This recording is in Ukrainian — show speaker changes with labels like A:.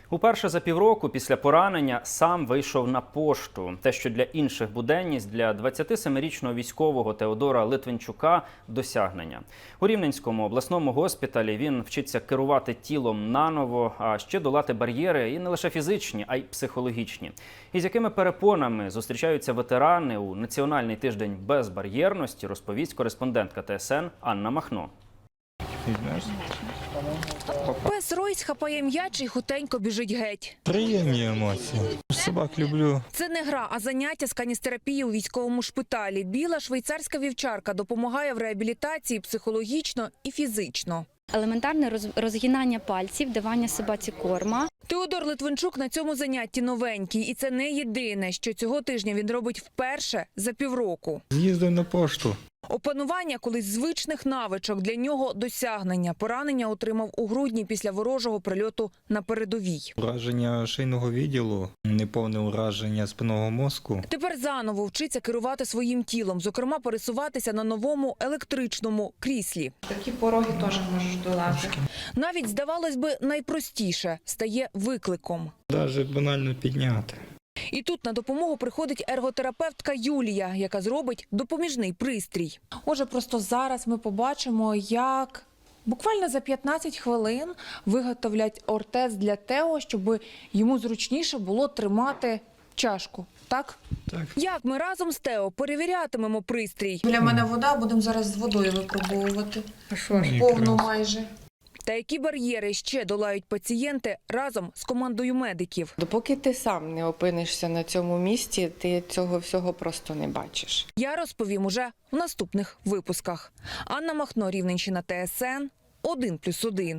A: Уперше за півроку після поранення сам вийшов на пошту. Те, що для інших буденність, для 27-річного військового Теодора Литвинчука – досягнення. У Рівненському обласному госпіталі він вчиться керувати тілом наново, а ще долати бар'єри і не лише фізичні, а й психологічні. І з якими перепонами зустрічаються ветерани у Національний тиждень безбар'єрності, розповість кореспондентка ТСН Анна Махно.
B: Пес Ройс хапає м'яч і хутенько біжить геть.
C: Приємні емоції. Собак люблю.
B: Це не гра, а заняття з каністерапії у військовому шпиталі. Біла швейцарська вівчарка допомагає в реабілітації психологічно і фізично.
D: Елементарне розгинання пальців, давання собаці корма.
B: Теодор Литвинчук на цьому занятті новенький. І це не єдине, що цього тижня він робить вперше за півроку.
C: З'їздив на пошту.
B: Опанування колись звичних навичок для нього – досягнення. Поранення отримав у грудні після ворожого прильоту на передовій.
C: Ураження шийного відділу, неповне ураження спинного мозку.
B: Тепер заново вчиться керувати своїм тілом, зокрема пересуватися на новому електричному кріслі.
E: Такі пороги теж можеш долати.
B: Навіть, здавалось би, найпростіше стає викликом.
C: Навіть банально підняти.
B: І тут на допомогу приходить ерготерапевтка Юлія, яка зробить допоміжний пристрій. Отже, просто зараз ми побачимо, як буквально за 15 хвилин виготовлять ортез для Тео, щоб йому зручніше було тримати чашку. Так?
C: Так.
B: Як ми разом з Тео перевірятимемо пристрій?
E: Біля мене вода, будемо зараз з водою випробовувати.
C: А що ж?
E: Повну майже.
B: Та які бар'єри ще долають пацієнти разом з командою медиків?
F: Допоки ти сам не опинишся на цьому місці, ти цього всього просто не бачиш.
B: Я розповім уже в наступних випусках. Анна Махно, Рівненщина, ТСН 1+1.